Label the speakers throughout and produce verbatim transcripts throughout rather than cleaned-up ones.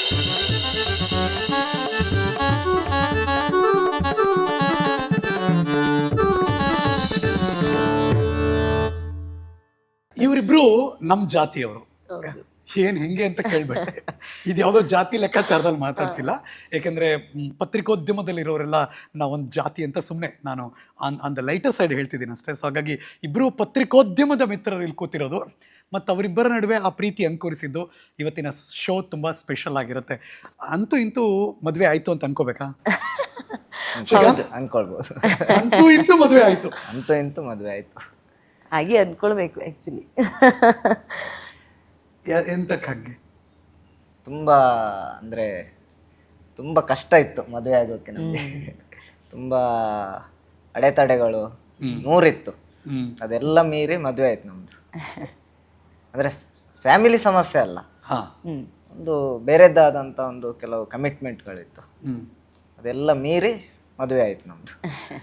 Speaker 1: ಇವರಿಬ್ರು ನಮ್ಮ ಜಾತಿಯವರು. ಏನ್ ಹೆಂಗೆ ಅಂತ ಕೇಳ್ಬೇಡಿ, ಇದು ಯಾವುದೋ ಜಾತಿ ಲೆಕ್ಕಾಚಾರದಲ್ಲಿ ಮಾತಾಡ್ತಿಲ್ಲ. ಯಾಕೆಂದ್ರೆ ಮ್, ಪತ್ರಿಕೋದ್ಯಮದಲ್ಲಿರೋರೆಲ್ಲ ನಾವೊಂದು ಜಾತಿ ಅಂತ ಸುಮ್ಮನೆ ನಾನು on on the lighter side ಹೇಳ್ತಿದ್ದೀನಿ ಅಷ್ಟೇ. ಸೊ ಹಾಗಾಗಿ ಇಬ್ಬರು ಪತ್ರಿಕೋದ್ಯಮದ ಮಿತ್ರರು ಇಲ್ಲಿ ಕೂತಿರೋದು, ಮತ್ತು ಅವರಿಬ್ಬರ ನಡುವೆ ಆ ಪ್ರೀತಿ ಅಂಕುರಿಸಿದ್ದು ಇವತ್ತಿನ ಶೋ ತುಂಬ ಸ್ಪೆಷಲ್ ಆಗಿರುತ್ತೆ. ಅಂತೂ ಇಂತೂ ಮದುವೆ ಆಯಿತು ಅಂತ ಅನ್ಕೋಬೇಕಾ?
Speaker 2: ಅನ್ಕೊಳ್ಬೋದು.
Speaker 1: ಅಂತೂ ಇಂತೂ ಮದುವೆ ಆಯಿತು.
Speaker 2: ಅಂತೂ ಇಂತೂ ಮದುವೆ ಆಯ್ತು.
Speaker 3: ಹಾಗೆ ಅನ್ಕೊಳ್ಬೇಕು ಆ್ಯಕ್ಚುಲಿ.
Speaker 1: ಎಂತಕ್ಕೆ ಹಾಗೆ?
Speaker 2: ತುಂಬ ಅಂದರೆ ತುಂಬ ಕಷ್ಟ ಇತ್ತು ಮದುವೆ ಆಗೋಕ್ಕೆ ನಮಗೆ. ತುಂಬ ಅಡೆತಡೆಗಳು ನೂರಿತ್ತು. ಅದೆಲ್ಲ ಮೀರಿ ಮದುವೆ ಆಯ್ತು ನಮ್ಮದು. ಅಂದರೆ ಫ್ಯಾಮಿಲಿ ಸಮಸ್ಯೆ ಅಲ್ಲ, ಒಂದು ಬೇರೆದ್ದಾದಂಥ ಒಂದು ಕೆಲವು ಕಮಿಟ್ಮೆಂಟ್ಗಳಿತ್ತು. ಅದೆಲ್ಲ ಮೀರಿ ಮದುವೆ ಆಯ್ತು ನಮ್ಮದು.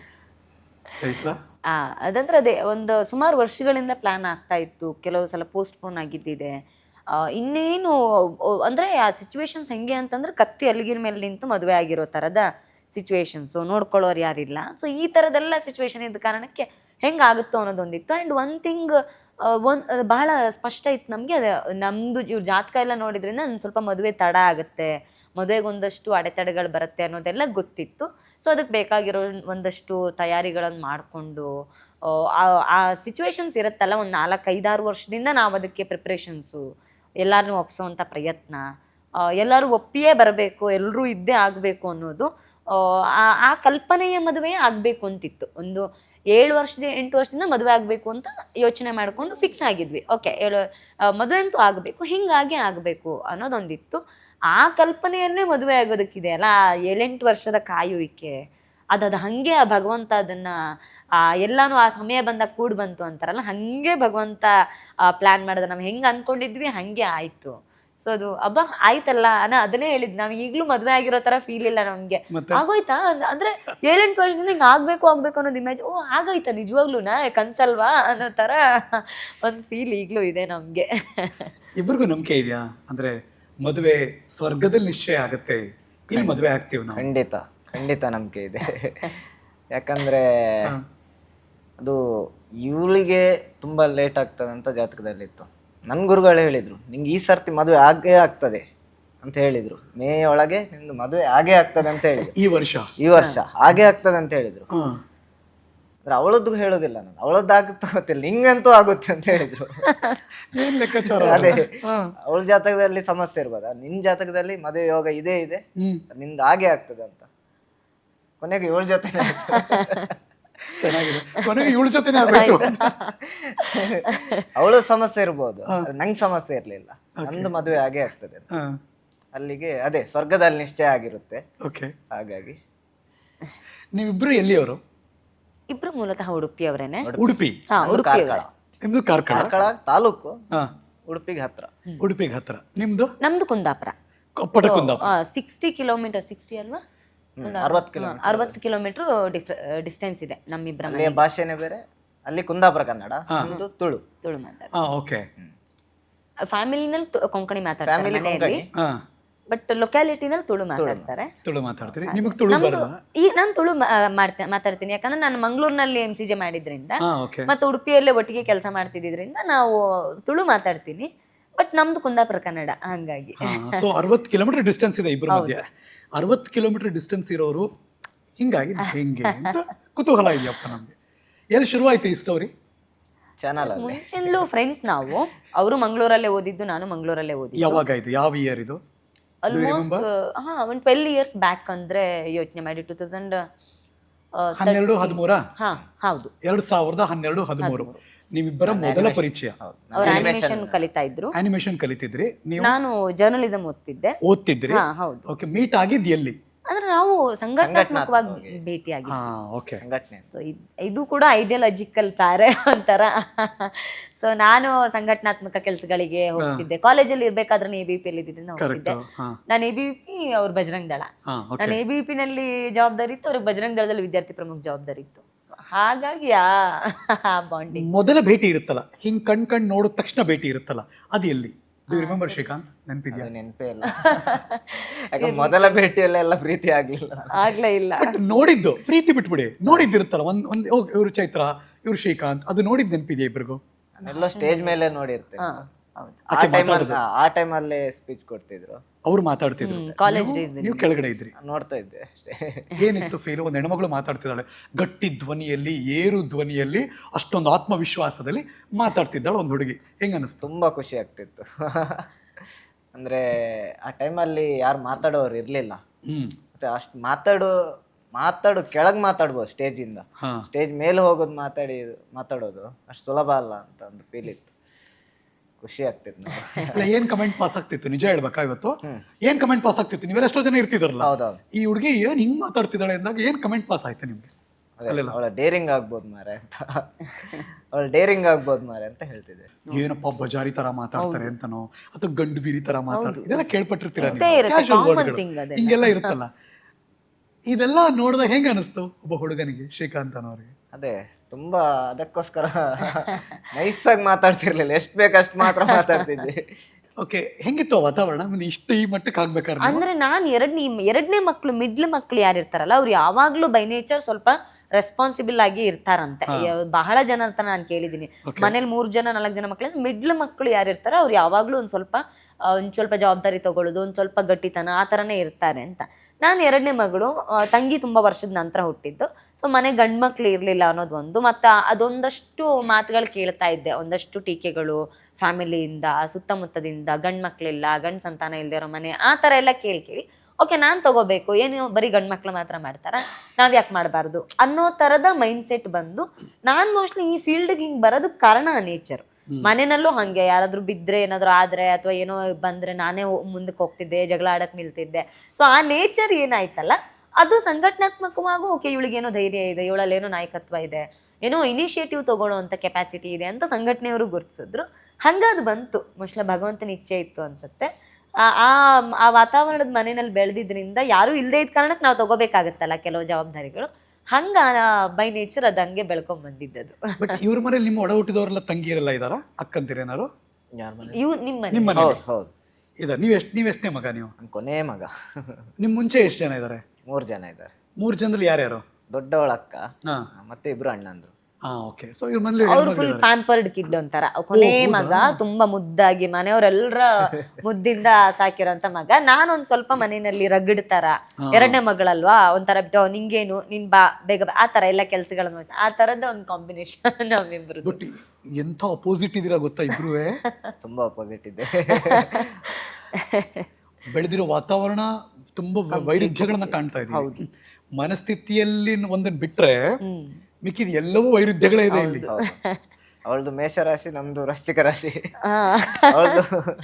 Speaker 1: ಚೈತ್ರ?
Speaker 3: ಆ ಅದಂದ್ರೆ ಅದೇ ಒಂದು ಸುಮಾರು ವರ್ಷಗಳಿಂದ ಪ್ಲಾನ್ ಆಗ್ತಾ ಇತ್ತು. ಕೆಲವು ಸಲ ಪೋಸ್ಟ್ಪೋನ್ ಆಗಿದ್ದಿದೆ. ಇನ್ನೇನು ಅಂದರೆ ಆ ಸಿಚುವೇಶನ್ಸ್ ಹೆಂಗೆ ಅಂತಂದ್ರೆ ಕತ್ತಿ ಅಲ್ಲಿಗಿನ ಮೇಲೆ ನಿಂತು ಮದುವೆ ಆಗಿರೋ ಥರದ ಸಿಚುವೇಶನ್ಸು, ನೋಡ್ಕೊಳ್ಳೋರು ಯಾರಿಲ್ಲ. ಸೊ ಈ ಥರದೆಲ್ಲ ಸಿಚುವೇಶನ್ ಇದ್ದ ಕಾರಣಕ್ಕೆ ಹೆಂಗಾಗುತ್ತೋ ಅನ್ನೋದೊಂದಿತ್ತು. ಆ್ಯಂಡ್ ಒನ್ ಥಿಂಗ್ ಒಂದು ಬಹಳ ಸ್ಪಷ್ಟ ಇತ್ತು ನಮಗೆ, ಅದು ನಮ್ಮದು ಇವ್ರ ಜಾತಕ ಎಲ್ಲ ನೋಡಿದ್ರಿಂದ ಒಂದು ಸ್ವಲ್ಪ ಮದುವೆ ತಡ ಆಗುತ್ತೆ, ಮದುವೆಗೆ ಒಂದಷ್ಟು ಅಡೆತಡೆಗಳು ಬರುತ್ತೆ ಅನ್ನೋದೆಲ್ಲ ಗೊತ್ತಿತ್ತು. ಸೊ ಅದಕ್ಕೆ ಬೇಕಾಗಿರೋ ಒಂದಷ್ಟು ತಯಾರಿಗಳನ್ನು ಮಾಡಿಕೊಂಡು ಆ ಸಿಚುವೇಶನ್ಸ್ ಇರುತ್ತಲ್ಲ, ಒಂದು ನಾಲ್ಕು ಐದಾರು ವರ್ಷದಿಂದ ನಾವು ಅದಕ್ಕೆ ಪ್ರಿಪ್ರೇಷನ್ಸು, ಎಲ್ಲರನ್ನೂ ಒಪ್ಸೋವಂಥ ಪ್ರಯತ್ನ, ಎಲ್ಲರೂ ಒಪ್ಪಿಯೇ ಬರಬೇಕು, ಎಲ್ಲರೂ ಇದ್ದೇ ಆಗಬೇಕು ಅನ್ನೋದು, ಆ ಕಲ್ಪನೆಯ ಮದುವೆಯೇ ಆಗಬೇಕು ಅಂತಿತ್ತು. ಒಂದು ಏಳು ವರ್ಷದ ಎಂಟು ವರ್ಷದಿಂದ ಮದುವೆ ಆಗಬೇಕು ಅಂತ ಯೋಚನೆ ಮಾಡಿಕೊಂಡು ಫಿಕ್ಸ್ ಆಗಿದ್ವಿ. ಓಕೆ, ಏಳು ಮದುವೆ ಅಂತೂ ಆಗಬೇಕು, ಹೀಗಾಗಿ ಆಗಬೇಕು ಅನ್ನೋದೊಂದಿತ್ತು. ಆ ಕಲ್ಪನೆಯನ್ನೇ ಮದುವೆ ಆಗೋದಕ್ಕಿದೆ ಅಲ್ಲ, ಏಳೆಂಟು ವರ್ಷದ ಕಾಯುವಿಕೆ, ಅದದು ಹಾಗೆ ಆ ಭಗವಂತ ಅದನ್ನು ಎಲ್ಲನೂ ಆ ಸಮಯ ಬಂದಾಗ ಕೂಡಿ ಬಂತು ಅಂತಾರಲ್ಲ, ಹಾಗೆ ಭಗವಂತ ಪ್ಲ್ಯಾನ್ ಮಾಡಿದ. ನಾವು ಹೆಂಗೆ ಅಂದ್ಕೊಂಡಿದ್ವಿ ಹಾಗೆ ಆಯಿತು. ಸೊ ಅದು ಹಬ್ಬ ಆಯ್ತಲ್ಲ ಅನ್ನೋ ಅದನ್ನೇ ಹೇಳಿದ್ದು. ನಾವು ಈಗಲೂ ಮದುವೆ ಆಗಿರೋ ಥರ ಫೀಲ್ ಇಲ್ಲ ನಮಗೆ. ಆಗೋಯ್ತಾ ಅಂದರೆ ಏಳೆಂಟು ವರ್ಷದಿಂದ ಹಿಂಗೆ ಆಗಬೇಕು ಆಗಬೇಕು ಅನ್ನೋದು ಇಮೇಜ್, ಓ ಆಗೋಯ್ತಾ ನಿಜವಾಗ್ಲೂ ಕನ್ಸಲ್ವಾ ಅನ್ನೋ ಥರ ಒಂದು ಫೀಲ್ ಈಗಲೂ ಇದೆ ನಮಗೆ.
Speaker 1: ಇಬ್ಬರಿಗೂ ನಂಬಿಕೆ ಇದೆಯಾ? ಅಂದರೆ ಮದುವೆ ಸ್ವರ್ಗದಲ್ಲಿ ನಿಶ್ಚಯ ಆಗುತ್ತೆ, ಇಲ್ಲಿ ಮದುವೆ ಆಗ್ತೀವಿ ನಾವು?
Speaker 2: ಖಂಡಿತ ಖಂಡಿತ ನಂಬಿಕೆ ಇದೆ. ಯಾಕಂದರೆ ಅದು ಇವಳಿಗೆ ತುಂಬ ಲೇಟ್ ಆಗ್ತದೆ ಅಂತ ಜಾತಕದಲ್ಲಿತ್ತು. ನನ್ನ ಗುರುಗಳು ಹೇಳಿದರು, ನಿಂಗೆ ಈ ಸರ್ತಿ ಮದುವೆ ಆಗೇ ಆಗ್ತದೆ ಅಂತ ಹೇಳಿದರು. ಮೇ ಒಳಗೆ ನಿಂದು ಮದುವೆ ಆಗೇ ಆಗ್ತದೆ ಅಂತ ಹೇಳಿದ್ರು.
Speaker 1: ಈ ವರ್ಷ
Speaker 2: ಈ ವರ್ಷ ಆಗೇ ಆಗ್ತದೆ ಅಂತ ಹೇಳಿದರು. ಅಂದ್ರೆ ಅವಳದ್ದು ಹೇಳೋದಿಲ್ಲ ನಾನು, ಅವಳದ್ದು ಆಗುತ್ತೋ ಗೊತ್ತಿಲ್ಲ, ನಿಂಗಂತೂ ಆಗುತ್ತೆ ಅಂತ ಹೇಳಿದ್ರು.
Speaker 1: ಏನ್ ಲೆಕ್ಕಾಚಾರ?
Speaker 2: ಅದೇ ಅವಳ ಜಾತಕದಲ್ಲಿ ಸಮಸ್ಯೆ ಇರ್ಬೋದಾ, ನಿನ್ ಜಾತಕದಲ್ಲಿ ಮದುವೆ ಯೋಗ ಇದೇ ಇದೆ, ನಿಂದು ಹಾಗೆ ಆಗ್ತದೆ ಅಂತ. ಕೊನೆಗೆ ಇವಳ ಜೊತೆ
Speaker 1: ಚೆನ್ನಾಗಿದೆ, ಕೊನೆಗೆ ಇವಳ ಜೊತೆನೇ ಆಗ್ಬೇಕು.
Speaker 2: ಅವಳ ಸಮಸ್ಯೆ ಇರ್ಬೋದು, ನಂಗೆ ಸಮಸ್ಯೆ ಇರ್ಲಿಲ್ಲ, ನಂದು ಮದುವೆ ಹಾಗೆ ಆಗ್ತದೆ. ಅಲ್ಲಿಗೆ ಅದೇ ಸ್ವರ್ಗದಲ್ಲಿ ನಿಶ್ಚಯ ಆಗಿರುತ್ತೆ.
Speaker 1: ಓಕೆ,
Speaker 2: ಹಾಗಾಗಿ
Speaker 1: ನೀವಿಬ್ರು ಎಲ್ಲಿಯವರು?
Speaker 3: ಇಬ್ರು ಮೂಲತಃ ಉಡುಪಿಯವರೇನೆ.
Speaker 1: ಉಡುಪಿ?
Speaker 3: ಹಾ, ಉಡುಪಿ.
Speaker 1: ನಿಮ್ದು ಕಾರ್ಕಳ?
Speaker 2: ಕಾರ್ಕಳ ತಾಲೂಕು,
Speaker 1: ಹಾ,
Speaker 2: ಉಡುಪಿಗೆ ಹತ್ರ.
Speaker 1: ಉಡುಪಿಗೆ ಹತ್ರ. ನಿಮ್ದು?
Speaker 3: ನಮ್ದು Kundapura.
Speaker 1: Koppala Kundapura.
Speaker 3: Sixty kilometre sixty ಅಲ್ವಾ,
Speaker 2: ಅರವತ್ತು ಕಿಲೋಮೀಟರ್
Speaker 3: ಅರವತ್ತು ಕಿಲೋಮೀಟರ್ ಡಿಸ್ಟೆನ್ಸ್ ಇದೆ ನಮ್ಮಿಬ್ಬರ.
Speaker 2: ಅಲ್ಲಿಯ ಭಾಷೆನೇ ಬೇರೆ, ಅಲ್ಲಿ ಕುಂದಾಪುರ ಕನ್ನಡ, ನಮ್ದು ತುಳು.
Speaker 3: ತುಳು ಮಾತಾಡ.
Speaker 1: ಓಕೆ.
Speaker 3: ಫ್ಯಾಮಿಲಿನಲ್ಲಿ ಕೊಂಕಣಿ ಮಾತಾಡ್ತಾರೆ ಮನೆಯಲ್ಲಿ, ಬಟ್ ಲೊಕ್ಯಾಲಿಟಿನಲ್ಲಿ ತುಳು ಮಾತಾಡ್ತಾರೆ.
Speaker 1: ತುಳು ಮಾತಾಡ್ತೀರಿ? ನಿಮಗೆ ತುಳು ಬರಲ್ಲ?
Speaker 3: ಈಗ ನಾನು ತುಳು ಮಾಡ್ತೇನೆ ಮಾತಾಡ್ತೀನಿ, ಯಾಕಂದ್ರೆ ನಾನು ಮಂಗಳೂರಿನಲ್ಲಿ ಎಂ ಸಿ ಜೆ ಮಾಡಿದ್ರಿಂದ ಮತ್ತೆ ಉಡುಪಿಯಲ್ಲೇ ಒಟ್ಟಿಗೆ ಕೆಲಸ ಮಾಡ್ತಿದ್ರಿಂದ ನಾವು ತುಳು ಮಾತಾಡ್ತೀನಿ. ಬಟ್ ನಮ್ದು ಕುಂದಾಪುರ ಕನ್ನಡ, ಹಂಗಾಗಿ.
Speaker 1: ಸೊ ಅರವತ್ತು ಕಿಲೋಮೀಟರ್ ಡಿಸ್ಟೆನ್ಸ್ ಇದೆ ಇಬ್ಬರ ಮಧ್ಯೆ. ಅರವತ್ತು ಕಿಲೋಮೀಟರ್ ಡಿಸ್ಟೆನ್ಸ್ ಇರೋರು ಹಿಂಗಾಗಿ ಹೆಂಗೆ ಅಂತ ಕುತೂಹಲ ಇದೆಯಪ್ಪ ನಮ್ಗೆ. ಎಲ್ಲಿ ಶುರುವಾಯ್ತು ಈ ಸ್ಟೋರಿ?
Speaker 2: ಚಾನಲ್
Speaker 3: ಮುಂಚೆಲ್ಲೂ ಫ್ರೆಂಡ್ಸ್ ನಾವು. ಅವರು ಮಂಗಳೂರಲ್ಲೇ ಓದಿದ್ದು, ನಾನು ಮಂಗಳೂರಲ್ಲೇ ಓದಿದ್ದು.
Speaker 1: ಯಾವಾಗ ಇದು? ಯಾವ ಇಯರ್ ಇದು?
Speaker 3: ಆಲ್ಮೋಸ್ಟ್ ಹಾ ಒಂದು ಟ್ವೆಲ್ ಇಯರ್ಸ್ ಬ್ಯಾಕ್ ಅಂದ್ರೆ ಯೋಚನೆ ಮಾಡಿ, ಟೂ ತೌಸಂಡ್
Speaker 1: ಹನ್ನೆರಡು ಹದಿಮೂರ
Speaker 3: ಹಾ ಹೌದು,
Speaker 1: ಎರಡ್ ಸಾವಿರದ ಹನ್ನೆರಡು ಹದಿಮೂರು ನೀವಿಬ್ಬರ ಮೊದಲ ಪರಿಚಯ.
Speaker 3: ಅವ್ರು ಆನಿಮೇಷನ್ ಕಲಿತಾ ಇದ್ರು,
Speaker 1: ಆನಿಮೇಷನ್ ಕಲಿತಿದ್ರಿ, ನೀವು
Speaker 3: ನಾನು ಜರ್ನಲಿಸಂ ಓದ್ತಿದ್ದೆ.
Speaker 1: ಓದ್ತಿದ್ರಿ?
Speaker 3: ಹಾ ಹೌದು.
Speaker 1: ಓಕೆ, ಮೀಟ್ ಆಗಿದ್ ಎಲ್ಲಿ?
Speaker 3: ಅಂದ್ರೆ ನಾವು ಸಂಘಟನಾತ್ಮಕವಾಗಿ ಭೇಟಿಯಾಗಿ.
Speaker 2: ಸಂಘಟನೆ.
Speaker 3: ಸೊ ಇದು ಕೂಡ ಐಡಿಯಾಲಜಿಕಲ್ ಪ್ಯಾರೆ ಒಂಥರ. ಸೊ ನಾನು ಸಂಘಟನಾತ್ಮಕ ಕೆಲಸಗಳಿಗೆ ಹೋಗ್ತಿದ್ದೆ. ಕಾಲೇಜಲ್ಲಿ ಇರ್ಬೇಕಾದ್ರೆ ಎ ಬಿ ಪಿ ಅಲ್ಲಿ ಇದ್ದಿದ್ರೆ ಹೋಗ್ತಿದ್ದೆ. ನಾನು ಎ ಬಿ ಪಿ, ಅವ್ರು ಬಜರಂಗ್ ದಳ. ನಾನು ಎ ಬಿ ಪಿ ನಲ್ಲಿ ಜವಾಬ್ದಾರಿ ಇತ್ತು, ಅವ್ರಿಗೆ ಬಜರಂಗ್ ದಳದಲ್ಲಿ ವಿದ್ಯಾರ್ಥಿ ಪ್ರಮುಖ ಜವಾಬ್ದಾರಿ ಇತ್ತು. ಹಾಗಾಗಿ ಆ ಬಾಂಡಿಂಗ್.
Speaker 1: ಮೊದಲ ಭೇಟಿ ಇರುತ್ತಲ್ಲ, ಹಿಂಗ್ ಕಣ್ ಕಣ್ ನೋಡಿದ ತಕ್ಷಣ ಭೇಟಿ ಇರುತ್ತಲ್ಲ, ಅದು ಎಲ್ಲಿ? ಡು ರಿಮೆಂಬರ್ ಶ್ರೀಕಾಂತ್ ನೆನಪಿದ್ಯಾ?
Speaker 2: ಅದು ನೆನಪೇ ಇಲ್ಲ. ಯಾಕೆ ಮೊದಲ ಭೇಟಿಯಲ್ಲ ಎಲ್ಲ ಪ್ರೀತಿ ಆಗ್ಲಿಲ್ಲ.
Speaker 3: ಆಗ್ಲೇ ಇಲ್ಲ.
Speaker 1: ಬಟ್ ನೋಡಿದ್ದು ಪ್ರೀತಿ ಬಿಟ್ಬಿಡಿ, ನೋಡಿದ್ದಿರುತ್ತಲ್ಲ ಒಂದ್ ಒಂದ್ ಓ, ಇವ್ರು ಚೈತ್ರ ಇವ್ರು ಶ್ರೀಕಾಂತ್, ಅದು ನೋಡಿದ್ ನೆನಪಿದ್ಯಾ ಇಬ್ರಿಗೂ?
Speaker 2: ನಾನೆಲ್ಲೋ ಸ್ಟೇಜ್ ಮೇಲೆ ನೋಡಿರ್ತೇನೆ.
Speaker 3: ಹಾ ಹೌದು.
Speaker 2: ಆ ಟೈಮಲ್ಲಿ ಆ ಟೈಮಲ್ಲೇ ಸ್ಪೀಚ್ ಕೊಡ್ತಿದ್ರು,
Speaker 1: ಅವ್ರು ಮಾತಾಡ್ತಿದ್ರು,
Speaker 3: ಕಾಲೇಜ್ ಡೇಸ್
Speaker 1: ನೀವು ಕೆಳಗಡೆ ಇದ್ರಿ.
Speaker 2: ನೋಡ್ತಾ ಇದ್ದೆ ಅಷ್ಟೇ.
Speaker 1: ಏನಿತ್ತು ಫೀಲ್? ಒಂದು ಹೆಣ್ಮಗಳು ಮಾತಾಡ್ತಿದ್ದಾಳೆ ಗಟ್ಟಿ ಧ್ವನಿಯಲ್ಲಿ, ಏರು ಧ್ವನಿಯಲ್ಲಿ, ಅಷ್ಟೊಂದು ಆತ್ಮವಿಶ್ವಾಸದಲ್ಲಿ ಮಾತಾಡ್ತಿದ್ದಾಳೆ ಒಂದು ಹುಡುಗಿ. ಹೆಂಗ ಅನಿಸ್ತು?
Speaker 2: ತುಂಬಾ ಖುಷಿ ಆಗ್ತಿತ್ತು. ಅಂದ್ರೆ ಆ ಟೈಮಲ್ಲಿ ಯಾರು ಮಾತಾಡೋರು ಇರ್ಲಿಲ್ಲ.
Speaker 1: ಹ್ಮ್
Speaker 2: ಮತ್ತೆ ಅಷ್ಟು ಮಾತಾಡೋ ಮಾತಾಡು ಕೆಳಗ್ ಮಾತಾಡ್ಬೋದು ಸ್ಟೇಜಿಂದ,
Speaker 1: ಹಾ
Speaker 2: ಸ್ಟೇಜ್ ಮೇಲೆ ಹೋಗೋದು ಮಾತಾಡಿ ಮಾತಾಡೋದು ಅಷ್ಟು ಸುಲಭ ಅಲ್ಲ ಅಂತ ಒಂದು ಫೀಲ್ ಇತ್ತು. ಖುಷಿ ಆಗ್ತಿತ್ತು ನನಗೆ.
Speaker 1: ಅಲ್ಲ, ಏನ್ ಕಮೆಂಟ್ ಪಾಸ್ ಆಗ್ತಿತ್ತು ನಿಜ ಹೇಳ್ಬೇಕಾ ಇವತ್ತು? ಏನ್ ಕಮೆಂಟ್ ಪಾಸ್ ಆಗ್ತಿತ್ತು? ನೀವೆಲ್ಲ ಎಷ್ಟೋ ಜನ ಇರ್ತಿದಾರಲ್ಲ,
Speaker 2: ಹೌದೌದು.
Speaker 1: ಈ ಹುಡುಗಿ ಏನ್ ಹಿಂಗ್ ಮಾತಾಡ್ತಿದ್ದಾಳೆ ಅಂದಾಗ ಏನ್ ಕಮೆಂಟ್ ಪಾಸ್ ಆಯ್ತು ನಿಮ್ಗೆ?
Speaker 2: ಅವಳ ಡೇರಿಂಗ್ ಆಗ್ಬೋದು ಮಾರೆ ಅಂತ, ಅವಳ ಡೇರಿಂಗ್ ಆಗ್ಬೋದು ಮಾರೆ ಅಂತ ಹೇಳ್ತಿದ್ದೆ.
Speaker 1: ಏನಪ್ಪ ಬಜಾರಿ ತರ ಮಾತಾಡ್ತಾರೆ ಅಂತನೋ ಅಥವಾ ಗಂಡು ಬೀರಿ ತರ ಮಾತಾಡ್ತಾರೆ, ಇದೆಲ್ಲ ಕೇಳ್ಪಟ್ಟಿರ್ತೀರಾ
Speaker 3: ಇರುತ್ತೆ,
Speaker 1: ನೀವು? Casual
Speaker 3: common
Speaker 1: wordಗಳು
Speaker 3: thing ಅದೆಲ್ಲ.
Speaker 1: ಹಿಂಗೆಲ್ಲ ಇರುತ್ತಲ್ಲ. ಇದೆಲ್ಲ ನೋಡಿದಾಗ ಹೆಂಗ ಅನಿಸ್ತು ಒಬ್ಬ ಹುಡುಗನಿಗೆ, ಶ್ರೀಕಾಂತ್ ಅನ್ನೋರಿಗೆ?
Speaker 2: ಅದೇ ತುಂಬಾ ಅದಕ್ಕೋಸ್ಕರ ನೈಸ್ ಆಗಿ ಮಾತಾಡ್ತಿರ್ಲಿಲ್ಲ, ಎಷ್ಟ್ ಬೇಕಷ್ಟು ಮಾತ್ರ ಮಾತಾಡ್ತಿದ್ದೆ.
Speaker 1: ಓಕೆ, ಹೆಂಗಿತ್ತು ಆ ವಾತಾವರಣ? ಮುಂದೆ ಇಷ್ಟು ಈ ಮಟ್ಟಕ್ಕೆ ಆಗ್ಬೇಕಾದ್ರೆ ನೀವು?
Speaker 3: ಅಂದ್ರೆ ನಾನು ಎರಡನೇ ಎರಡನೇ ಮಕ್ಳು ಮಿಡ್ಲ್ ಮಕ್ಳು ಯಾರು ಇರ್ತಾರಲ್ಲ ಅವ್ರು ಯಾವಾಗ್ಲೂ ಬೈ ನೇಚರ್ ಸ್ವಲ್ಪ ರೆಸ್ಪಾನ್ಸಿಬಲ್ ಆಗಿ ಇರ್ತಾರಂತೆ. ಯ- ಬಹಳ ಜನ ಅಂತ ನಾನು ಕೇಳಿದೀನಿ. ಮನೇಲಿ ಮೂರ್ ಜನ ನಾಲ್ಕು ಜನ ಮಕ್ಳು, ಮಿಡ್ಲ್ ಮಕ್ಳು ಯಾರು ಇರ್ತಾರ ಅವ್ರು ಯಾವಾಗ್ಲೂ ಒಂದ್ ಸ್ವಲ್ಪ ಆ, ಒಂದ್ ಸ್ವಲ್ಪ ಜವಾಬ್ದಾರಿ ತಗೊಳ್ಳೋದು, ಒಂದ್ ಸ್ವಲ್ಪ ಗಟ್ಟಿತನ ಆ ಥರನೇ ಇರ್ತಾರೆ ಅಂತ. ನಾನು ಎರಡನೇ ಮಗಳು, ಆ, ತಂಗಿ ತುಂಬಾ ವರ್ಷದ ನಂತರ ಹುಟ್ಟಿದ್ದು. ಸೊ ಮನೆ ಗಂಡು ಮಕ್ಳು ಇರಲಿಲ್ಲ ಅನ್ನೋದು ಒಂದು, ಮತ್ತು ಅದೊಂದಷ್ಟು ಮಾತುಗಳು ಕೇಳ್ತಾ ಇದ್ದೆ, ಒಂದಷ್ಟು ಟೀಕೆಗಳು ಫ್ಯಾಮಿಲಿಯಿಂದ, ಸುತ್ತಮುತ್ತದಿಂದ, ಗಂಡು ಮಕ್ಳಿಲ್ಲ, ಗಂಡು ಸಂತಾನ ಇಲ್ಲದೆ ಇರೋ ಮನೆ, ಆ ಥರ ಎಲ್ಲ ಕೇಳಿ ಕೇಳಿ ಓಕೆ ನಾನು ತಗೋಬೇಕು, ಏನು ಬರೀ ಗಂಡು ಮಕ್ಳು ಮಾತ್ರ ಮಾಡ್ತಾರ, ನಾವ್ ಯಾಕೆ ಮಾಡಬಾರ್ದು ಅನ್ನೋ ಥರದ ಮೈಂಡ್ ಸೆಟ್ ಬಂದು ನಾನು ಮೋಸ್ಟ್ಲಿ ಈ ಫೀಲ್ಡ್ಗೆ ಹಿಂಗೆ ಬರೋದಕ್ಕೆ ಕಾರಣ ನೇಚರ್. ಮನೆಯಲ್ಲೂ ಹಾಗೆ ಯಾರಾದ್ರೂ ಬಿದ್ದರೆ ಏನಾದರೂ ಆದರೆ ಅಥವಾ ಏನೋ ಬಂದರೆ ನಾನೇ ಮುಂದಕ್ಕೆ ಹೋಗ್ತಿದ್ದೆ, ಜಗಳ ಆಡಕ್ಕೆ ನಿಲ್ತಿದ್ದೆ. ಸೊ ಆ ನೇಚರ್ ಏನಾಯ್ತಲ್ಲ ಅದು ಸಂಘಟನಾತ್ಮಕವಾಗೂ ಓಕೆ ಇವಳಿಗೇನೋ ಧೈರ್ಯ ಇದೆ, ಇವಳಲ್ಲೇನೋ ನಾಯಕತ್ವ ಇದೆ, ಏನೋ ಇನಿಷಿಯೇಟಿವ್ ತಗೊಳ್ಳೋ ಅಂಥ ಕೆಪಾಸಿಟಿ ಇದೆ ಅಂತ ಸಂಘಟನೆಯವರು ಗುರುತಿಸಿದ್ರು. ಹಂಗದು ಬಂತು, ಮೋಸ್ಟ್ಲಿ ಭಗವಂತನ ಇಚ್ಛೆ ಇತ್ತು ಅನ್ಸುತ್ತೆ. ಆ ಆ ವಾತಾವರಣದ ಮನೆಯಲ್ಲಿ ಬೆಳೆದಿದ್ರಿಂದ ಯಾರೂ ಇಲ್ಲದೇ ಇದ್ದ ಕಾರಣಕ್ಕೆ ನಾವು ತಗೋಬೇಕಾಗತ್ತಲ್ಲ ಕೆಲವು ಜವಾಬ್ದಾರಿಗಳು, ಹಂಗ ಬೈ ನೇಚರ್ ಅದು ಹಂಗೆ ಬೆಳ್ಕೊಂಡ್ ಬಂದಿದ್ದದು.
Speaker 1: ಬಟ್ ಇವ್ರ ಮನೇಲಿ ನಿಮ್ಮ ಒಡ ಹುಟ್ಟಿದವರೆಲ್ಲ ತಂಗಿಯರೆಲ್ಲ ಇದಾರ, ಅಕ್ಕಂತೀರೇನಾರು?
Speaker 2: ಯಾರ ಮನೆ?
Speaker 3: ಇವ್ ನಿಮ್ಮ ಮನೆ
Speaker 1: ನಿಮ್ಮ ಮನೆ
Speaker 2: ಹೌದು ಹೌದು,
Speaker 1: ಇದ ನೀವ್ ಎಷ್ಟ್ ನೀವ್ ಎಷ್ಟನೇ ಮಗ ನೀವು?
Speaker 2: ನನ್ ಕೊನೆ ಮಗ.
Speaker 1: ನಿಮ್ ಮುಂಚೆ ಎಷ್ಟು ಜನ ಇದಾರೆ?
Speaker 2: ಮೂರ್ ಜನ ಇದ್ದಾರೆ.
Speaker 1: ಮೂರ್ ಜನದಲ್ಲಿ ಯಾರ್ಯಾರು?
Speaker 2: ದೊಡ್ಡವಳ ಅಕ್ಕ,
Speaker 1: ಹಾ
Speaker 2: ಮತ್ತೆ ಇಬ್ರು ಅಣ್ಣಂದ್ರು.
Speaker 1: ಹಾ ಓಕೆ. ಸೊ ಇವ್ರ ಮನೇಲಿ
Speaker 3: ಅವ್ರು ಫುಲ್ ಪ್ಯಾಂಪರ್ಡ್ ಕಿಡ್ ಅಂತಾರ. ಕೊನೆ ಮಗ ತುಂಬಾ ಮುದ್ದಾಗಿ ಮನೆಯವರೆಲ್ಲರ ಮುದ್ದಿಂದ ಸಾಕಿರೋಂತ ಮಗ. ನಾನೊಂದ್ ಸ್ವಲ್ಪ ಮನೆಯಲ್ಲಿ ರಗಡ್ ತರ, ಎರಡನೇ ಮಗಳಲ್ವಾ, ಒಂಥರ ಬಿಟ್ಟು ನಿಂಗೇನು ನಿನ್ ಬಾ ಬೇಗ ಬಾ, ಆ ತರ ಎಲ್ಲ ಕೆಲ್ಸಗಳನ್ನ ವಹಿಸಿ ಆ ತರದ ಒಂದ್ ಕಾಂಬಿನೇಷನ್ ನಮ್ಮಿಬ್ರು.
Speaker 1: ಬಟ್ ಎಂಥ ಅಪೋಸಿಟ್ ಇದೀರಾ ಗೊತ್ತಾ ಇಬ್ರುವೆ?
Speaker 2: ತುಂಬಾ ಅಪೋಸಿಟ್ ಇದೆ.
Speaker 1: ಬೆಳೆದಿರೋ ವಾತಾವರಣ ತುಂಬಾ ವೈರುಧ್ಯಗಳನ್ನ ಕಾಣ್ತಾ ಇದೀವಿ. ಮನಸ್ಥಿತಿಯಲ್ಲಿ ಒಂದನ್ನ ಬಿಟ್ರೆ ಮಿಕ್ಕಿದ ಎಲ್ಲವೂ ವೈರುಧ್ಯಗಳೇ ಇದೆ ಇಲ್ಲಿ.
Speaker 2: ಅವಳದು ಮೇಷರಾಶಿ, ನಮ್ದು ವೃಶ್ಚಿಕ ರಾಶಿ. ಅವಳದು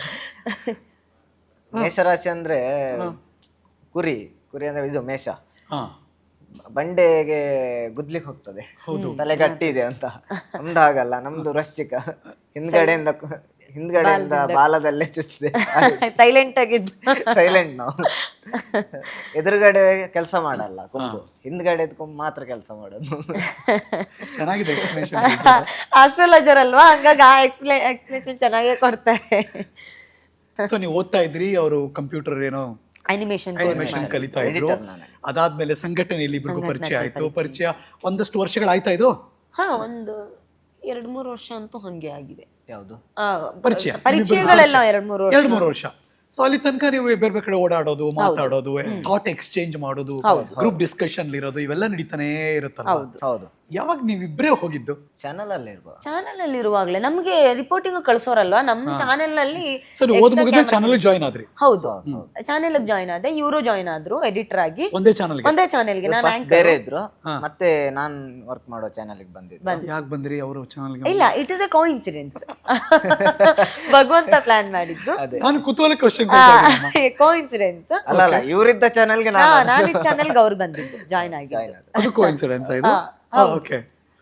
Speaker 2: ಮೇಷರಾಶಿ ಅಂದ್ರೆ ಕುರಿ, ಕುರಿ ಅಂದ್ರೆ ಇದು ಮೇಷ,
Speaker 1: ಹಾ
Speaker 2: ಬಂಡೆಗೆ ಗುದ್ಲಿಕ್ ಹೋಗ್ತದೆ, ತಲೆ ಗಟ್ಟಿ ಇದೆ ಅಂತ. ನಮ್ದು ಹಾಗಲ್ಲ, ನಮ್ದು ವೃಶ್ಚಿಕ, ಹಿಂದ್ಗಡೆಯಿಂದ ಹಿಂದ್ಗಡೆಯಿಂದ ಬಾಲದಲ್ಲೇ ಚುಚ್ಚಿದೆ.
Speaker 3: ಸೈಲೆಂಟ್ ಆಗಿದ್ದು,
Speaker 2: ಸೈಲೆಂಟ್ ನಾವು. ಎದುರುಗಡೆ ಕೆಲಸ ಮಾಡಲ್ಲ ಕೊಂಬು, ಹಿಂದ್ಗಡೆ ಕೊಂಬು ಮಾತ್ರ ಕೆಲಸ ಮಾಡೋದು.
Speaker 1: ಚೆನ್ನಾಗಿದೆ ಎಕ್ಸ್ಪ್ಲನೇಷನ್.
Speaker 3: ಆಸ್ಟ್ರಾಲಜರ್ ಅಲ್ವಾ, ಹಂಗಾಗಿ ಆ ಎಕ್ಸ್ಪ್ಲೇ ಎಕ್ಸ್ಪ್ಲೇಷನ್ ಚೆನ್ನಾಗೇ ಕೊಡ್ತಾರೆ.
Speaker 1: ಸೊ ನೀವು ಓದ್ತಾ ಇದ್ರಿ, ಅವರು ಕಂಪ್ಯೂಟರ್ ಏನೋ
Speaker 3: ಅನಿಮೇಷನ್
Speaker 1: ಅನಿಮೇಷನ್ ಕಲಿತಾ ಇದ್ರು. ಅದಾದ್ಮೇಲೆ ಸಂಘಟನೆಯಲ್ಲಿ ಇಬ್ರಿಗೂ ಪರಿಚಯ ಆಯ್ತು. ಪರಿಚಯ ಒಂದಷ್ಟು ವರ್ಷಗಳಾಯ್ತಾ ಇದು?
Speaker 3: ಹಾ, ಒಂದು ಎರಡ್ ಮೂರು ವರ್ಷ ಅಂತೂ ಹಂಗೆ ಆಗಿದೆ.
Speaker 2: ಯಾವುದು
Speaker 3: ಆ,
Speaker 1: ಪರಿಚಯ
Speaker 3: ಪರಿಚಯಗಳೆಲ್ಲ ಎರಡ್ ಮೂರು ವರ್ಷ
Speaker 1: ಎರಡು ಮೂರು ವರ್ಷ. ಸೊ ಅಲ್ಲಿ ತನಕ ನೀವು ಬೇರೆ ಬೇರೆ ಕಡೆ ಓಡಾಡೋದು, ಮಾತಾಡೋದು, ಥಾಟ್ ಎಕ್ಸ್ಚೇಂಜ್ ಮಾಡೋದು, ಗ್ರೂಪ್ ಡಿಸ್ಕಷನ್ ಇರೋದು, ಇವೆಲ್ಲ ನಡೀತಾನೆ ಇರುತ್ತಲ್ಲ.
Speaker 2: ಹೌದು.
Speaker 1: ಯಾವಾಗ ನೀವಿಬ್ರೇ ಹೋಗಿದ್ದು?
Speaker 2: ಚಾನಲ್ ಅಲ್ಲಿ ಇರ್ಬೋದು.
Speaker 3: ಚಾನೆಲ್ ಅಲ್ಲಿ ಇರುವಾಗ್ಲೇ ನಮ್ಗೆ ರಿಪೋರ್ಟಿಂಗ್ ಕಳ್ಸೋರಲ್ವಾ ನಮ್ಮ ಚಾನೆಲ್ ನಲ್ಲಿ.
Speaker 1: ಸೊ ನೀವು ಓದ್ ಮುಗಿದ್ಮೇಲೆ ಚಾನಲ್ ಜಾಯ್ನ್ ಆದ್ರಿ?
Speaker 3: ಹೌದು, ಚಾನೆಲ್ ಜಾಯ್ನ್ ಆದೆ. ಇವರು ಜಾಯ್ನ್ ಆದ್ರು ಎಡಿಟರ್ ಆಗಿ
Speaker 1: ಒಂದೇ ಚಾನಲ್?
Speaker 3: ಒಂದೇ ಚಾನೆಲ್ಗೆ. ನಾನು
Speaker 2: First ಬೇರೆ ಇದ್ರು, ಮತ್ತೆ ನಾನ್ ವರ್ಕ್ ಮಾಡೋ ಚಾನಲ್ ಬಂದಿದ್ದೆ.
Speaker 1: ಯಾಕೆ ಬಂದ್ರಿ ಅವರು ಚಾನಲ್ಗೆ?
Speaker 3: ಇಲ್ಲ, ಇಟ್ ಇಸ್ ಎ ಕೋಇನ್ಸಿಡೆನ್ಸ್. ಭಗವಂತ ಪ್ಲಾನ್ ಮಾಡಿದ್ದು.
Speaker 1: ನಾನು ಕುತೂಹಲ ಕ್ವಶನ್.
Speaker 3: ಕೋಇನ್ಸಿಡೆನ್ಸ್
Speaker 2: ಅಲ್ಲ ಅಲ್ಲ, ಇವರಿದ್ದ ಚಾನಲ್ಗೆ
Speaker 3: ನಾನು ಈ ಚಾನೆಲ್ಗೆ ಅವ್ರು ಬಂದಿದ್ದು, ಜಾಯ್ನ್ ಆಗಿ.
Speaker 1: ಅದು ಕೋಇನ್ಸಿಡೆನ್ಸ್ ಇದು? ಓಕೆ.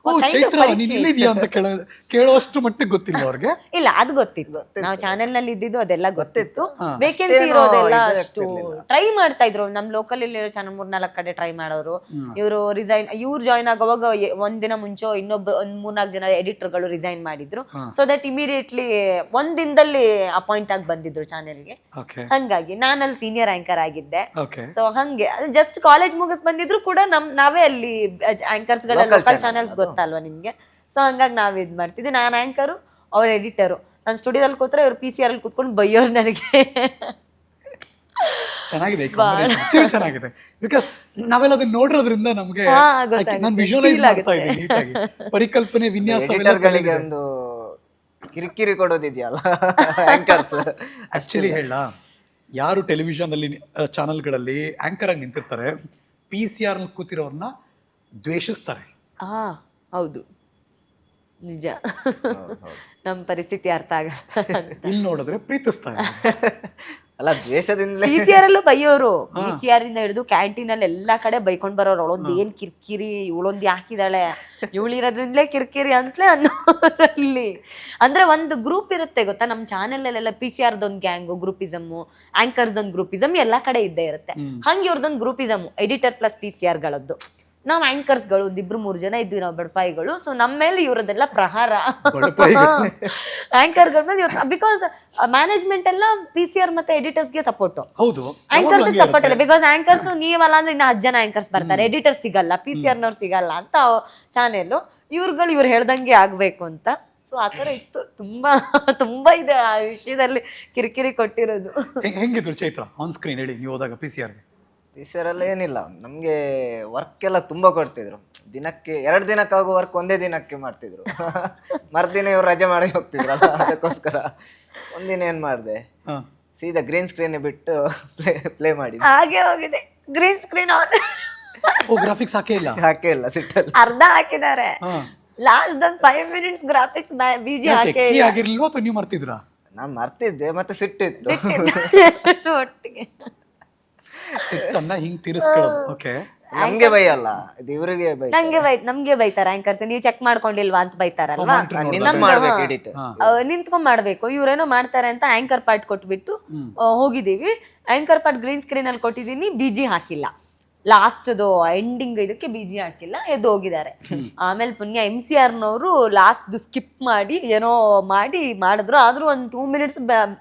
Speaker 1: ಓ ಚೈತ್ರ ನೀನ್ ಇಲ್ಲಿದ್ಯಾ ಅಂತ ಕೇಳ ಕೇಳೋಷ್ಟು ಮಟ್ಟಿಗೆ ಗೊತ್ತಿಲ್ಲ ಅವ್ರಿಗೆ.
Speaker 3: ಇಲ್ಲ ಅದು ಗೊತ್ತಿತ್ತು, ನಾವು ಚಾನೆಲ್ ನಲ್ಲಿ ಇದ್ದಿದ್ದು ಅದೆಲ್ಲ ಗೊತ್ತಿತ್ತು. ವೇಕೆನ್ಸಿ ಇರೋದೆಲ್ಲ ಅಷ್ಟು ಟ್ರೈ ಮಾಡ್ತಾ ಇದ್ರು. ನಮ್ ಲೋಕಲ್ ಇಲ್ಲಿ ಚಾನಲ್ ಮೂರ್ ನಾಲ್ಕು ಕಡೆ ಟ್ರೈ ಮಾಡೋರು. ಇವರು ರಿಸೈನ್ ಇವ್ರು ಜಾಯ್ನ್ ಆಗುವಾಗ ಎ- ಒಂದಿನ ಮುಂಚೆ ಇನ್ನೊಬ್ಬ ಒಂದ್ ಮೂರ್ನಾಲ್ಕು ಜನ ಎಡಿಟರ್ ಗಳು ರಿಸೈನ್ ಮಾಡಿದ್ರು. ಸೊ ದಟ್ ಇಮಿಡಿಯೇಟ್ಲಿ ಒಂದ್ ದಿನದಲ್ಲಿ ಅಪಾಯಿಂಟ್ ಆಗಿ ಬಂದಿದ್ರು ಚಾನೆಲ್ಗೆ.
Speaker 1: ಓಕೆ
Speaker 3: ಹಂಗಾಗಿ ನಾನು ಅಲ್ಲಿ ಸೀನಿಯರ್ ಆಂಕರ್ ಆಗಿದ್ದೆ.
Speaker 1: ಓಕೆ
Speaker 3: ಸೊ ಹಂಗೆ ಜಸ್ಟ್ ಕಾಲೇಜ್ ಮುಗಿಸ್ ಬಂದಿದ್ರು ಕೂಡ ನಮ್ ನಾವೇ ಅಲ್ಲಿ ಆಂಕರ್ಸ್ ಗಳ ಲೋಕಲ್ ಚಾನೆಲ್ಸ್ ಗೊತ್ತಲ್ವಾ ನಿಮ್ಗೆ. ಸೊ ಹಂಗಾಗಿ ನಾವ್ ಇದ್ ಮಾಡ್ತಿದ್ವಿ. ನಾನ್ ಆಂಕರು, ಅವ್ರ ಎಡಿಟರು. ನಾನು ಸ್ಟುಡಿಯೋದಲ್ಲಿ ಕೂತ್ರೆ ಇವ್ರು ಪಿ ಸಿ ಆರ್ ಅಲ್ಲಿ ಕೂತ್ಕೊಂಡು ಬೈಯೋರು ನನಗೆ.
Speaker 1: ಚೆನ್ನಾಗಿದೆ ಆಕ್ಚುಲಿ ಚೆನ್ನಾಗಿದೆ. ಬಿಕಾಸ್ ನಾವೆಲ್ಲ ಅದನ್ನ ನೋಡಿರೋದ್ರಿಂದ ನಮ್ಗೆ
Speaker 3: ಹಾ, ಗೊತ್ತಾಗುತ್ತೆ.
Speaker 1: ನಾನು ವಿಜುವಲೈಸ್
Speaker 3: Feel
Speaker 1: ಮಾಡ್ತಾ ಇದ್ದೀನಿ ನೀಟಾಗಿ. ಪರಿಕಲ್ಪನೆ ವಿನ್ಯಾಸ
Speaker 2: ಎಡಿಟರ್ಗಳಿಗೆ ಒಂದು ಕಿರಿಕಿರಿ ಕೊಡೋದಿದೆಯಲ್ಲ ಆಂಕರ್ಸ್.
Speaker 1: ಆಕ್ಚುಲಿ ಹೇಳ, ಯಾರು ಟೆಲಿವಿಷನ್ ಅಲ್ಲಿ ಚಾನೆಲ್ಗಳಲ್ಲಿ ಆಂಕರ್ ಆಗಿ ನಿಂತಿರ್ತಾರೆ, ಪಿ ಸಿ ಆರ್ ಕೂತಿರೋರ್ನ ದ್ವೇಷಿಸ್ತಾರೆ.
Speaker 3: ಹಾ ಹೌದು, ನಿಜ. ನಮ್ ಪರಿಸ್ಥಿತಿ ಅರ್ಥ ಆಗಲ್ಲ.
Speaker 1: ಇಲ್ಲಿ ನೋಡಿದ್ರೆ ಪ್ರೀತಿಸ್ತಾರೆ.
Speaker 2: ಅಲ್ಲ ದ್ವೇಷದಿಂದಲೇ
Speaker 3: ಪಿ ಸಿ ಆರ್ ಅಲ್ಲೂ ಬೈಯೋರು. ಪಿ ಸಿ ಆರ್ ಇಂದ ಹಿಡಿದು ಕ್ಯಾಂಟೀನ್ ಅಲ್ಲಿ ಎಲ್ಲಾ ಕಡೆ ಬೈಕೊಂಡ್ ಬರೋರು. ಅವಳೊಂದ್ ಏನ್ ಕಿರ್ಕಿರಿ, ಇವಳೊಂದ್ ಯಾಕಿದಾಳೆ, ಇವಳಿರೋದ್ರಿಂದಲೇ ಕಿರ್ಕಿರಿ ಅಂತಲೇ ಅನ್ನೋರಲ್ಲಿ. ಅಂದ್ರೆ ಒಂದು ಗ್ರೂಪ್ ಇರುತ್ತೆ ಗೊತ್ತಾ, ನಮ್ ಚಾನೆಲ್ ಅಲ್ಲೆಲ್ಲ ಪಿ ಸಿ ಆರ್ದೊಂದ್ ಗ್ಯಾಂಗು ಗ್ರೂಪಿಸಮ್, ಆಂಕರ್ಸ್ ಒಂದ್ ಗ್ರೂಪಿಸಮ್ ಎಲ್ಲಾ ಕಡೆ ಇದ್ದೇ ಇರುತ್ತೆ. ಹಂಗೆ ಇವ್ರದೊಂದ್ groupism editor plus P C R ಗಳದ್ದು. ನಾವ್ ಆಂಕರ್ಸ್ ಗಳು ಒಂದಿಬ್ರು ಮೂರ್ ಜನ ಇದ್ವಿ ನಾವು ಬಡಪಾಯಿಗಳು. ಸೊ ನಮ್ಮ ಮೇಲೆ ಇವ್ರದೆಲ್ಲ ಪ್ರಹಾರ. ಆಂಕರ್ ಗಳ ಮೇಲೆ ಬಿಕಾಸ್ ಮ್ಯಾನೇಜ್ಮೆಂಟ್ ಎಲ್ಲ ಪಿ ಸಿ ಆರ್ ಮತ್ತೆ ಎಡಿಟರ್ಸ್ ಗೆ ಸಪೋರ್ಟ್,
Speaker 1: ಹೌದು
Speaker 3: ಆಂಕರ್ಸ್ ಸಪೋರ್ಟ್ ಇಲ್ಲ. ಬಿಕಾಸ್ ಆಂಕರ್ಸ್ ನೀವಲ್ಲ ಅಂದ್ರೆ ಇನ್ನ ಹತ್ತು ಜನ ಆಂಕರ್ಸ್ ಬರ್ತಾರೆ, ಎಡಿಟರ್ ಸಿಗಲ್ಲ, ಪಿ ಸಿ ಆರ್ ನವ್ರು ಸಿಗಲ್ಲ ಅಂತ ಚಾನೆಲ್. ಇವ್ರುಗಳು ಇವ್ರು ಹೇಳ್ದಂಗೆ ಆಗ್ಬೇಕು ಅಂತ. ಸೊ ಆತರ ಇತ್ತು. ತುಂಬಾ ತುಂಬಾ ಇದೆ ಆ ವಿಷಯದಲ್ಲಿ ಕಿರಿಕಿರಿ ಕೊಟ್ಟಿರೋದು.
Speaker 1: ಹೆಂಗಿದ್ರು ಚೈತ್ರ ಆನ್ ಸ್ಕ್ರೀನ್ ಹೇಳಿ ನೀವು ಹೋದಾಗ ಪಿ ಸಿ ಆರ್ಗೆ?
Speaker 2: ಟೀಚರಲ್ಲಿ ಏನಿಲ್ಲ, ನಮಗೆ ವರ್ಕ್ ಎಲ್ಲ ತುಂಬ ಕೊಡ್ತಿದ್ರು. ದಿನಕ್ಕೆ ಎರಡು ದಿನಕ್ಕಾಗೋ ವರ್ಕ್ ಒಂದೇ ದಿನಕ್ಕೆ ಮಾಡ್ತಿದ್ರು. ಮರ್ದಿನ ಇವ್ರು ರಜೆ ಮಾಡಿ ಹೋಗ್ತಿದ್ರಲ್ಲ, ಅದಕ್ಕೋಸ್ಕರ ಒಂದಿನ ಏನು ಮಾಡಿದೆ, ಸೀದಾ ಗ್ರೀನ್ ಸ್ಕ್ರೀನ್ ಬಿಟ್ಟು ಪ್ಲೇ ಪ್ಲೇ ಮಾಡಿ
Speaker 3: ಹಾಗೆ ಹೋಗಿದೆ. ಗ್ರೀನ್ ಸ್ಕ್ರೀನ್ ಆನ್
Speaker 1: ಓ ಗ್ರಾಫಿಕ್ಸ್ ಹಾಕೇ ಇಲ್ಲ?
Speaker 2: ಹಾಕೇ ಇಲ್ಲ, ಸಿಟ್ಟಲ್ಲಿ
Speaker 3: ಅರ್ಧ ಹಾಕಿದ್ದಾರೆ. ಲಾಸ್ಟ್ ಒಂದ್ ಫೈವ್ ಮಿನಿಟ್ಸ್ ಗ್ರಾಫಿಕ್ಸ್ ಬಿಜಿ ಹಾಕೇ
Speaker 1: ಕೀ ಆಗಿರ್ಲಿಲ್ವಾ ಅಥವಾ ನೀವು ಮರ್ತಿದ್ರಾ?
Speaker 2: ನಾನು ಮರ್ತಿದ್ದೆ, ಮತ್ತೆ ಸಿಟ್ಟಿತ್ತು
Speaker 3: ಒಟ್ಟಿಗೆ.
Speaker 1: ಸಿಟ್ಟನ್ನ ಹಿಂಗ್ ತೀರಿಸ್ಕೊಳ್ಳೋದು. ಓಕೆ,
Speaker 2: ನಮ್ಗೆ ಬೈಯಲ್ಲ, ಇದು ಇವ್ರಿಗೆ ಬೈ.
Speaker 3: ನಂಗೆ ಬೈ ನಮ್ಗೆ ಬೈತಾರ ಆಂಕರ್ಸ್, ನೀವು ಚೆಕ್ ಮಾಡ್ಕೊಂಡಿಲ್ವಾ ಅಂತ ಬೈತಾರಲ್ವಾ.
Speaker 2: ನಿನ್ನ ಮಾಡ್ಬೇಕು ಎಡಿಟ್,
Speaker 3: ನಿಂತ್ಕೊಂಡ್ ಮಾಡ್ಬೇಕು. ಇವ್ರೇನೋ ಮಾಡ್ತಾರೆ ಅಂತ ಆಂಕರ್ ಪಾರ್ಟ್ ಕೊಟ್ಬಿಟ್ಟು ಆ, ಹೋಗಿದೀವಿ. ಆಂಕರ್ ಪಾರ್ಟ್ ಗ್ರೀನ್ ಸ್ಕ್ರೀನ್ ಅಲ್ಲಿ ಕೊಟ್ಟಿದೀನಿ, ಬಿಜಿ ಹಾಕಿಲ್ಲ. ಲಾಸ್ಟ್ದು ಎಂಡಿಂಗ್ ಇದಕ್ಕೆ ಬಿಜಿ ಹಾಕಿಲ್ಲ, ಎದ್ದು ಹೋಗಿದ್ದಾರೆ. ಆಮೇಲೆ ಪುಣ್ಯ ಎಂ ಸಿ ಆರ್ ನವರು ಲಾಸ್ಟ್ ಸ್ಕಿಪ್ ಮಾಡಿ ಏನೋ ಮಾಡಿ ಮಾಡಿದ್ರು. ಆದ್ರೂ ಒಂದ್ ಟೂ ಮಿನಿಟ್ಸ್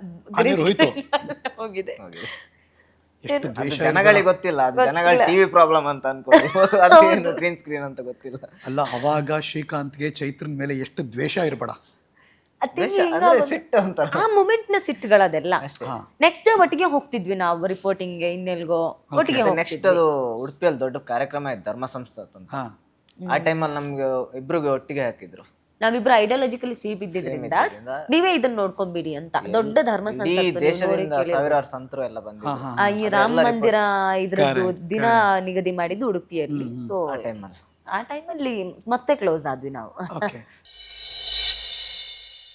Speaker 3: ಹೋಗಿದೆ.
Speaker 1: ಎಷ್ಟು ದ್ವೇಷ
Speaker 2: ಜನಗಳಿಗೆ ಗೊತ್ತಿಲ್ಲ, ಅದು ಜನಗಳ ಟಿವಿ ಪ್ರಾಬ್ಲಮ್ ಅಂತ ಅನ್ಕೊಂಡು ಅದೇನು ಗ್ರೀನ್ ಸ್ಕ್ರೀನ್ ಅಂತ ಗೊತ್ತಿಲ್ಲ.
Speaker 1: ಅಲ್ಲ, ಅವಾಗ ಶ್ರೀಕಾಂತ್ಗೆ ಚೈತ್ರನ್ ಮೇಲೆ ಎಷ್ಟು ದ್ವೇಷ ಇರಬೇಡ.
Speaker 2: ಅಂದ್ರೆ ಸಿಟ್ಟು ಅಂತ
Speaker 3: ಆ ಮೂಮೆಂಟ್ ನ ಸಿಟ್ಟುಗಳದೆಲ್ಲ. ನೆಕ್ಸ್ಟ್ ಡೇ ಒಟ್ಟಿಗೆ ಹೋಗ್ತಿದ್ವಿ ನಾವು ರಿಪೋರ್ಟಿಂಗ್, ಇನ್ನೆಲ್ಗೋ ಒಟ್ಟಿಗೆ
Speaker 2: ನೆಕ್ಸ್ಟ್ ಅದು ಉಡುಪಿಯಲ್ಲಿ ದೊಡ್ಡ ಕಾರ್ಯಕ್ರಮ ಇತ್ತು, ಧರ್ಮ ಸಂಸ್ಥಾತ್ ಅಂತ. ಆ ಟೈಮಲ್ಲಿ ನಮ್ಗೆ ಇಬ್ರಿಗೆ ಒಟ್ಟಿಗೆ ಹಾಕಿದ್ರು.
Speaker 3: ನಾವಿಬ್ರು ಐಡಿಯಾಲಜಿಕಲಿ ಸಿ ಬಿದ್ದಿದ್ರಿಂದ ನೀವೇ ಇದನ್ನ ನೋಡ್ಕೊಂಡ್ಬಿಡಿ ಅಂತ. ದೊಡ್ಡ ಧರ್ಮ
Speaker 2: ಈ ದೇಶದಿಂದ ಸಾವಿರಾರು ಸಂತರು ಎಲ್ಲ ಬಂದಿದ್ರು.
Speaker 3: ಆ ಈ ರಾಮ ಮಂದಿರ ಇದ್ರದ್ದು ದಿನ ನಿಗದಿ ಮಾಡಿದ್ದು ಉಡುಪಿಯಲ್ಲಿ. ಸೊ
Speaker 2: ಟೈಮಲ್ಲಿ
Speaker 3: ಆ ಟೈಮಲ್ಲಿ ಮತ್ತೆ ಕ್ಲೋಸ್ ಆದ್ವಿ ನಾವು.
Speaker 1: ಓಕೆ